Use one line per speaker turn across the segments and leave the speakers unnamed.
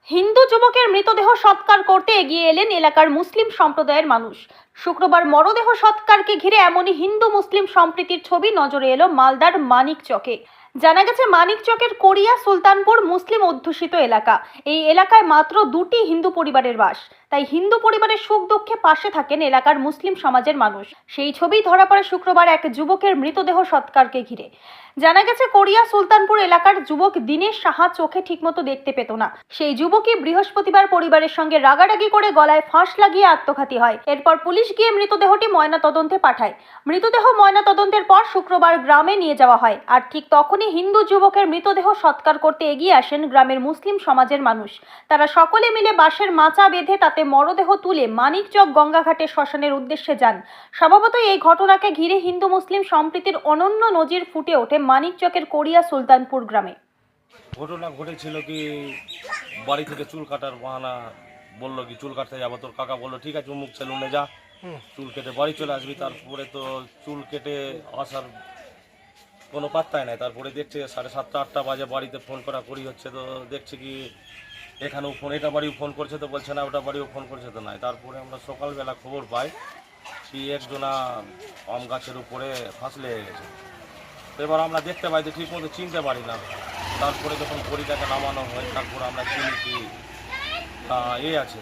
হিন্দু যুবকের মৃতদেহ সৎকার করতে এগিয়ে এলেন এলাকার মুসলিম সম্প্রদায়ের মানুষ। শুক্রবার মরদেহ সৎকারকে ঘিরে এমনই হিন্দু মুসলিম সম্প্রীতির ছবি নজরে এলো মালদার মানিকচকে। জানা গেছে মানিকচকের কোরিয়া সুলতানপুর মুসলিম অধ্যুষিত এলাকা। এই এলাকায় মাত্র দুটি হিন্দু পরিবারের বাস, তাই হিন্দু পরিবারের সুখ দুঃখে পাশে থাকেন এলাকার মুসলিম সমাজের মানুষ। সেই ছবি ধরা পড়ে শুক্রবার এক যুবকের মৃতদেহ সৎকারকে ঘিরে। জানা গেছে কোরিয়া সুলতানপুর এলাকার যুবক দীনেশ সাহা চোখে ঠিকমতো দেখতে পেত না। সেই যুবকই বৃহস্পতিবার পরিবারের সঙ্গে রাগারাগি করে গলায় ফাঁস লাগিয়ে আত্মঘাতী হয়। এরপর পুলিশ গিয়ে মৃতদেহটি ময়না তদন্তে পাঠায়। মৃতদেহ ময়না তদন্তের পর শুক্রবার গ্রামে নিয়ে যাওয়া হয়। আর ঠিক তখনই হিন্দু যুবকের মৃতদেহ সৎকার করতে এগিয়ে আসেন গ্রামের মুসলিম সমাজের মানুষ। তারা সকলে মিলে বাঁশের মাচা বেঁধে তাতে মরদেহ তুলে মানিকচক গঙ্গাঘাটে শ্মশানের উদ্দেশ্যে যান। স্বভাবতই এই ঘটনাকে ঘিরে হিন্দু মুসলিম সম্প্রীতির অনন্য নজির ফুটে ওঠে মানিকচকের কোরিয়া সুলতানপুর গ্রামে।
ঘটনা ঘটেছিল কি, বাড়ি থেকে চুল কাটার বাহানা বললো কি চুল কাটতে যাবো, তোর কাকা বললো ঠিক আছে মুখ সেলুনে যা, চুল কেটে বাড়ি চলে আসবি। তারপরে তো চুল কেটে আসার কোনো পাত্তাই নাই। তারপরে দেখছে 7:30 8টা বাজে বাড়িতে ফোন করা করি হচ্ছে, তো দেখছে কি এখানেও ফোন, এটা বাড়িও ফোন করছে তো বলছে না, ওটা বাড়িও ফোন করছে তো নাই। তারপরে আমরা সকালবেলা খবর পাই কি একজনা আম গাছের উপরে ফাঁস লেগে গেছে। তো এবার আমরা দেখতে পাই যে ঠিক মতো চিনতে পারি না। তারপরে যখন বড়িটাকে নামানো হয় তারপরে আমরা চিনি কি আছে,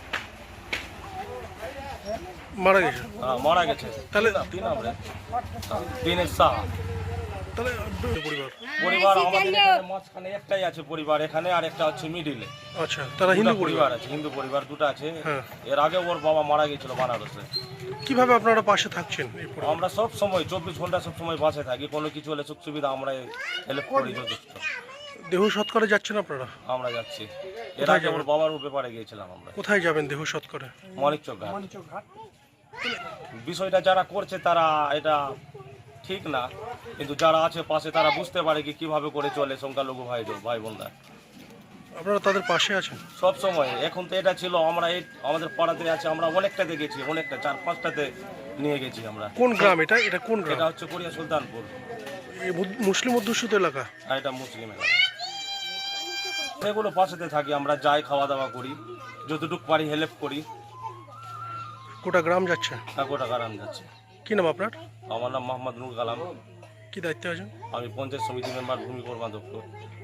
মারা গেছে।
মারা গেছে।
তাহলে
কি নাম রে? দীনেশ সাহা।
তাহলে
পরিবার আমাদের এখানে মাঝখানে একটাই আছে পরিবার এখানে, আর একটা হচ্ছে মিডিলে।
আচ্ছা, তারা হিন্দু পরিবার
আছে, হিন্দু পরিবার দুটো আছে।
হ্যাঁ।
এর আগে ওর বাবা মারা গেছিল বানারসে।
কিভাবে আপনারা পাশে থাকছেন?
আমরা সব সময় 24 ঘন্টা সব সময় বাসে থাকি, কোনো কিছু হলে সুখ সুবিধা আমরা হেল্প করি যথেষ্ট।
দেহ সৎকারে যাচ্ছেন আপনারা?
আমরা যাচ্ছি। এর আগে ওর বাবার ব্যাপারে গিয়েছিলাম আমরা।
কোথায় যাবেন দেহ সৎকারে?
মানিকচক ঘাট। বিষয়টা যারা করছে তারা এটা ঠিক না, কিন্তু যারা আছে পাশে তারা বুঝতে পারে কি কিভাবে করে চলে সংখ্যালঘু ভাই বোনরা।
আপনারা তাদের পাশে আছেন
সব সময়। এখন তো এটা ছিল আমরা এই আমাদের পাড়াতে আছে, আমরা অনেকটাতে গেছি, অনেকটা 4-5টাতে নিয়ে গেছি আমরা।
কোন গ্রাম এটা? এটা কোন গ্রাম?
এটা হচ্ছে কোরিয়া সুলতানপুর।
এই মুসলিম অধ্যুষিত এলাকা?
আর এটা মুসলিম এলাকা। সেগুলো পাশেতে থাকি, আমরা যাই, খাওয়া দাওয়া করি, যতটুকু পারি হেল্প করি।
গোটা গ্রাম যাচ্ছে?
গোটা গ্রাম যাচ্ছে।
কি নাম আপনার?
আমার নাম মোহাম্মদ নুর কালাম।
কি দায়িত্বে আছেন?
আমি পঞ্চায়েত সমিতি মেম্বার, ভূমি কর্মাধ্যক্ষ।